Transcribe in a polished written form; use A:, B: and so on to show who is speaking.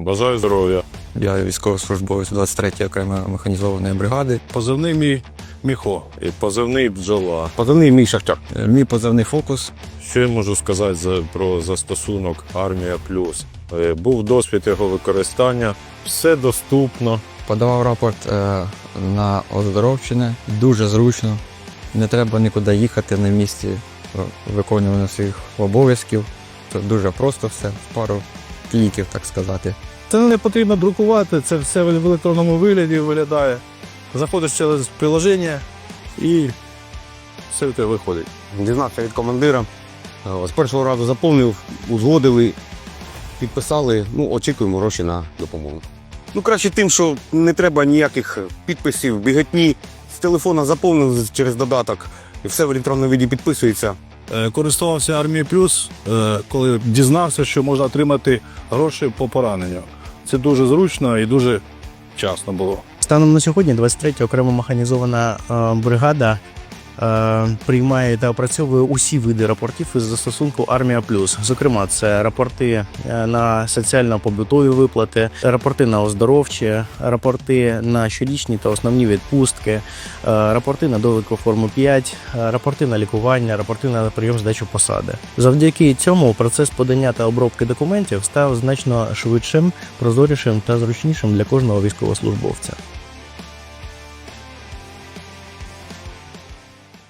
A: Бажаю здоров'я.
B: Я військовослужбовець 23-ї окремої механізованої бригади.
A: Позивний мій Міхо і позивний бджола.
C: Позивний мій Шахтяр.
B: Мій позивний «Фокус».
A: Що я можу сказати про застосунок «Армія Плюс»? Був досвід його використання, все доступно.
B: Подавав рапорт на оздоровчення. Дуже зручно. Не треба нікуди їхати на місці виконування своїх обов'язків. Це дуже просто все, в пару кліків, так сказати.
D: Це не потрібно друкувати, це все в електронному вигляді виглядає. Заходиш через приложення і все в тебе виходить.
C: Дізнався від командира. З першого разу заповнив, узгодили, підписали. Очікуємо гроші на допомогу. Краще тим, що не треба ніяких підписів, біготні. З телефона заповнив через додаток і все в електронному віді підписується.
D: Користувався Армією Плюс, коли дізнався, що можна отримати гроші по пораненню. Це дуже зручно і дуже вчасно було.
E: Станом на сьогодні 23-я окрема механізована бригада приймає та опрацьовує усі види рапортів із застосунку «Армія Плюс». Зокрема, це рапорти на соціально-побутові виплати, рапорти на оздоровчі, рапорти на щорічні та основні відпустки, рапорти на довідку форму 5, рапорти на лікування, рапорти на прийом здачу посади. Завдяки цьому процес подання та обробки документів став значно швидшим, прозорішим та зручнішим для кожного військовослужбовця.